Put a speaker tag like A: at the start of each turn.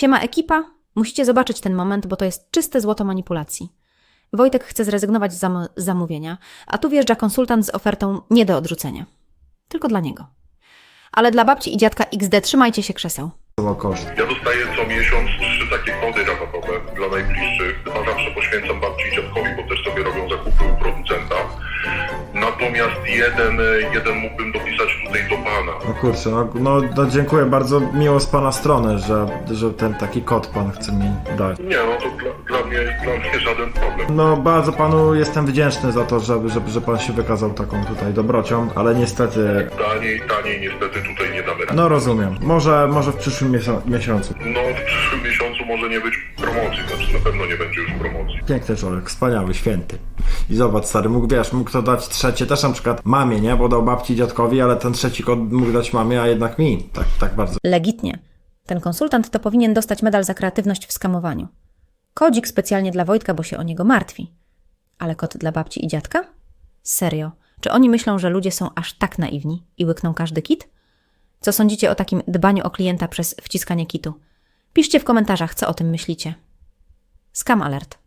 A: Siema ekipa, musicie zobaczyć ten moment, bo to jest czyste złoto manipulacji. Wojtek chce zrezygnować z zamówienia, a tu wjeżdża konsultant z ofertą nie do odrzucenia. Tylko dla niego. Ale dla babci i dziadka XD trzymajcie się krzeseł.
B: Koszt.
C: Ja dostaję co miesiąc 3 takie kody rabatowe dla najbliższych. Chyba zawsze poświęcam babci i dziadkowi, bo też sobie robią zakupy u producenta. Natomiast jeden mógłbym dopisać tutaj do pana.
B: No kurczę, no dziękuję bardzo, miło z pana strony, że ten taki kod pan chce mi dać.
C: Nie, no to dla mnie żaden problem.
B: No bardzo panu jestem wdzięczny za to, że pan się wykazał taką tutaj dobrocią, ale niestety...
C: Taniej niestety tutaj nie damy rady.
B: No rozumiem, może w przyszłym miesiącu.
C: No w przyszłym miesiącu może nie być promocji, znaczy na pewno nie będzie już promocji.
B: Piękny człowiek, wspaniały, święty. I zobacz stary, mógł to dać trzecie, też na przykład mamie, nie? Bo dał babci i dziadkowi, ale ten trzeci kod mógł dać mamie, a jednak mi. Tak bardzo.
A: Legitnie. Ten konsultant to powinien dostać medal za kreatywność w skamowaniu. Kodzik specjalnie dla Wojtka, bo się o niego martwi. Ale kod dla babci i dziadka? Serio? Czy oni myślą, że ludzie są aż tak naiwni i łykną każdy kit? Co sądzicie o takim dbaniu o klienta przez wciskanie kitu? Piszcie w komentarzach, co o tym myślicie. Scam alert.